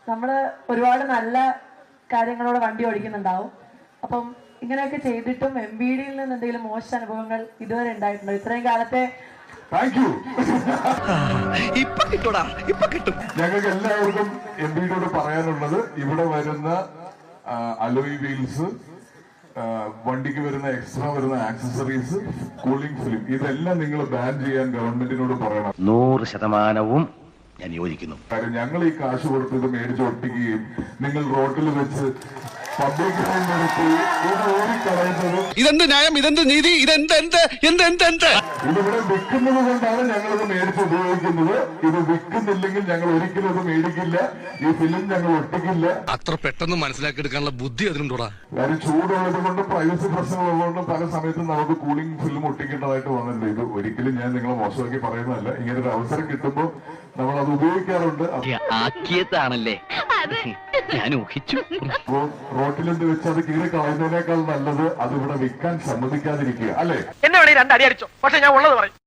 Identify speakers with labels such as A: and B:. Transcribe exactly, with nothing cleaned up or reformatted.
A: നമ്മൾ ഒരുപാട് നല്ല കാര്യങ്ങളോട് വണ്ടി ഓടിക്കുന്നുണ്ടാവും. അപ്പം ഇങ്ങനെയൊക്കെ ചെയ്തിട്ടും എം ബി ഡിയിൽ നിന്ന് എന്തെങ്കിലും മോശം അനുഭവങ്ങൾ ഇതുവരെ ഉണ്ടായിട്ടുണ്ടോ ഇത്രയും കാലത്തെ?
B: ഞങ്ങൾക്ക് എല്ലാവർക്കും എം ബി ഡിയോട് പറയാനുള്ളത്, ഇവിടെ വരുന്ന അലോയ് വീൽസ്, വണ്ടിക്ക് വരുന്ന എക്സ്ട്രാ വരുന്ന ആക്സസറീസ്, കൂളിംഗ് ഫിലിം, ഇതെല്ലാം നിങ്ങൾ ബാൻ ചെയ്യാൻ ഗവൺമെന്റിനോട് പറയണം.
C: നൂറ് ശതമാനവും ഞാൻ യോജിക്കുന്നു.
B: കാര്യം ഞങ്ങൾ ഈ കാശ് കൊടുത്ത് ഇത് മേടിച്ച് ഒട്ടിക്കുകയും നിങ്ങൾ റോഡിൽ വെച്ച് പബ്ലിക് നിർത്തി ഇത് ഓടിക്കളയുന്നതും
D: ഇതെന്ത് ന്യായം, ഇതെന്ത് നീതി, ഇതെന്ത് എന്ത് എന്ത് എന്ത് എന്ത്
B: ഇതിവിടെ വിൽക്കുന്നത് കൊണ്ടാണ് ഞങ്ങളിത് മേടിച്ച് ഉപയോഗിക്കുന്നത്. ഇത് വിൽക്കുന്നില്ലെങ്കിൽ ഞങ്ങൾ ഒരിക്കലും ഇത് മേടിക്കില്ല. ഈ ഫിലിം ഞങ്ങൾ ഒട്ടിക്കില്ല.
D: അത്ര പെട്ടെന്ന് മനസ്സിലാക്കിയെടുക്കാനുള്ള ബുദ്ധി അതിനുണ്ടോടാ?
B: കാര്യം ചൂടുള്ളത് കൊണ്ടും പ്രൈവസി പ്രശ്നമുള്ളതുകൊണ്ടും പല സമയത്തും നമുക്ക് കൂളിംഗ് ഫിലിം ഒട്ടിക്കേണ്ടതായിട്ട് വന്നിട്ടുണ്ട്. ഇത് ഒരിക്കലും ഞാൻ നിങ്ങളെ മോശമാക്കി പറയുന്നതല്ല. ഇങ്ങനെ ഒരു അവസരം കിട്ടുമ്പോൾ നമ്മൾ അത് ഉപയോഗിക്കാറുണ്ട്.
C: ആക്കിയതാണല്ലേ ഞാൻ ഊഹിച്ചു.
B: അപ്പോൾ റോട്ടിലെന്ത് വെച്ച് അത് കീറി കളയുന്നതിനേക്കാൾ നല്ലത് അത് ഇവിടെ വിൽക്കാൻ സമ്മതിക്കാതിരിക്കുക, അല്ലേ?
E: എന്നെ വേണേ രണ്ടടി അടിച്ചോ, പക്ഷെ ഞാൻ ഉള്ളത് പറയും.